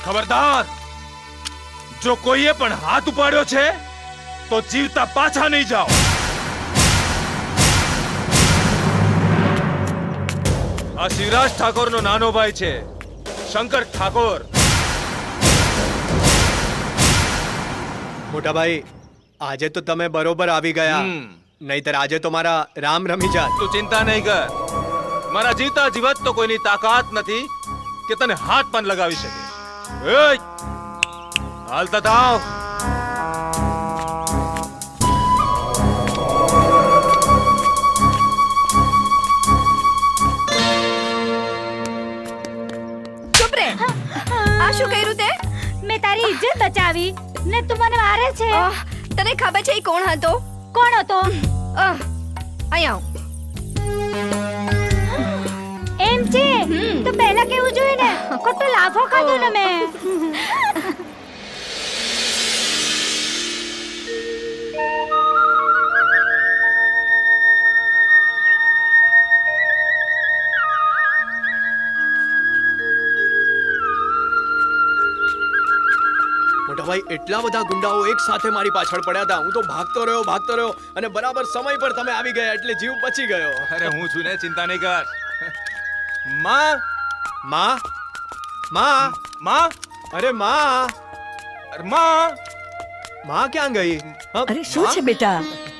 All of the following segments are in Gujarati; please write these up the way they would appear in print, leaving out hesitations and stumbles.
ખબરદાર, જો કોઈએ પણ હાથ ઉપાડ્યો છે તો જીવતા પાછા નહીં જાઓ. આ શિવરાજ ઠાકોરનો નાનો ભાઈ છે, શંકર ઠાકોર. મોટા ભાઈ, આજે તો તમે બરોબર આવી ગયા, નહીતર આજે તો મારા રામ રમી જાત. તું ચિંતા નહીં કર, મારા જીવતા જીવત તો કોઈની તાકાત નથી કે તને હાથ પણ લગાવી શકે. હાલતા થાવ. ચૂપ રે. આ શું કર્યું તે? મેં તારી ઇજ્જત બચાવી ને તું મને મારે છે. તને ખબર છે એ કોણ હતો? કોણ હતો? અહીંયા આવ. એમ છે તો પહેલા કેવું જોઈએ ને, ખોટો લાફો ખાધો ને મેં. મોટા ભાઈ, એટલા બધા ગુંડાઓ એક સાથે મારી પાછળ પડ્યા હતા. હું તો ભાગતો રહ્યો અને બરાબર સમય પર તમે આવી ગયા એટલે જીવ બચી ગયો. અરે હું છું ને, ચિંતા નહીં કર. માં, માં, માં, માં, અરે માં, અરે માં. માં ક્યાં ગઈ? અરે શું છે બેટા?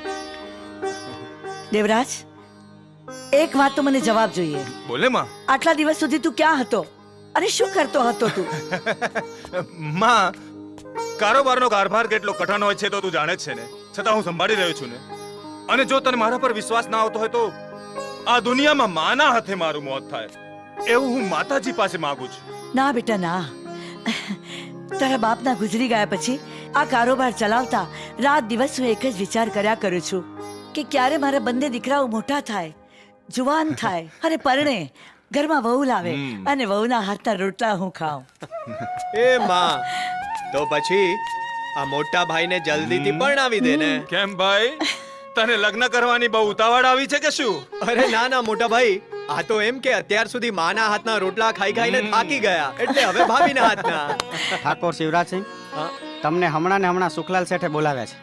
દેવરાજ, એક વાત તો મને જવાબ જોઈએ. બોલે માં. આટલા દિવસ સુધી તું ક્યાં હતો અને શું કરતો હતો તું? માં, કારોબારનો કારભાર કેટલો કઠણ હોય છે તો તું જાણે જ છે ને, છતાં હું સંભાળી રહ્યો છું ને. અને જો તને મારા પર વિશ્વાસ ના આવતો હોય તો આ દુનિયામાં માના હાથે મારું મોત થાય એવું હું માતાજી પાસે માંગુ છું. ના બેટા ના, તારા બાપના ગુજરી ગયા પછી આ કારોબાર ચલાવતા રાત દિવસ હું એક જ વિચાર કર્યા કરું છું કે ક્યારે મારા બંને દીકરાઓ મોટા થાય, જુવાન થાય અને પરણે ઘરમાં વહુ લાવે અને વહુના હાથના રોટલા હું ખાઉં. એ માં, તો પછી આ મોટા ભાઈને જલ્દીથી પરણાવી દે ને. કેમ ભાઈ, તને લગ્ન કરવાની બહુ ઉતાવળ આવી છે કે શું? અરે ના ના મોટા ભાઈ, આ તો એમ કે અત્યાર સુધી માના હાથના રોટલા ખાઈ ખાઈને થાકી ગયા એટલે હવે ભાભીના હાથના. ઠાકોર શિવરાજસિંહ, હા? તમને હમણાં ને હમણાં સુખલાલ શેઠે બોલાવ્યા છે.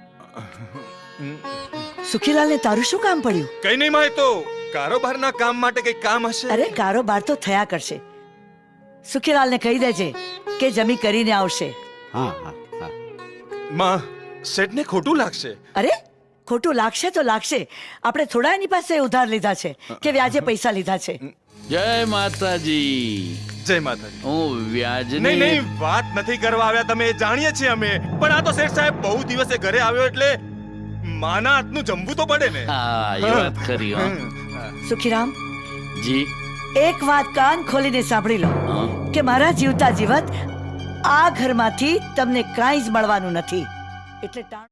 સુખીલાલને તારું શું કામ પડ્યું? કઈ નહીં માં, તો કારોબારના કામ માટે કઈ કામ હશે. અરે કારોબાર તો થયા કરશે. સુખીલાલને કહી દેજે કે જમી કરીને આવશે. હા હા હા. માં, શેઠને ખોટું લાગશે. અરે ખોટું લાગશે તો લાગશે. આપણે થોડા એની પાસે ઉધાર લીધા છે કે વ્યાજે પૈસા લીધા છે? જય માતાજી. જય માતાજી. હું વ્યાજની નહીં નહીં, વાત નથી કરવા આવ્યા તમે, એ જાણીએ છીએ અમે. પણ આ તો શેઠ સાહેબ બહુ દિવસે ઘરે આવ્યો એટલે માના હાથનું જમવું તો પડે ને. હા, એ વાત ખરી. હો. સુખીરામ, જી. એક વાત કાન ખોલીને સાંભળી લો હા. કે મારા જીવતા જીવત આ ઘરમાંથી તમને કાંઈ જ મળવાનું નથી. એટલે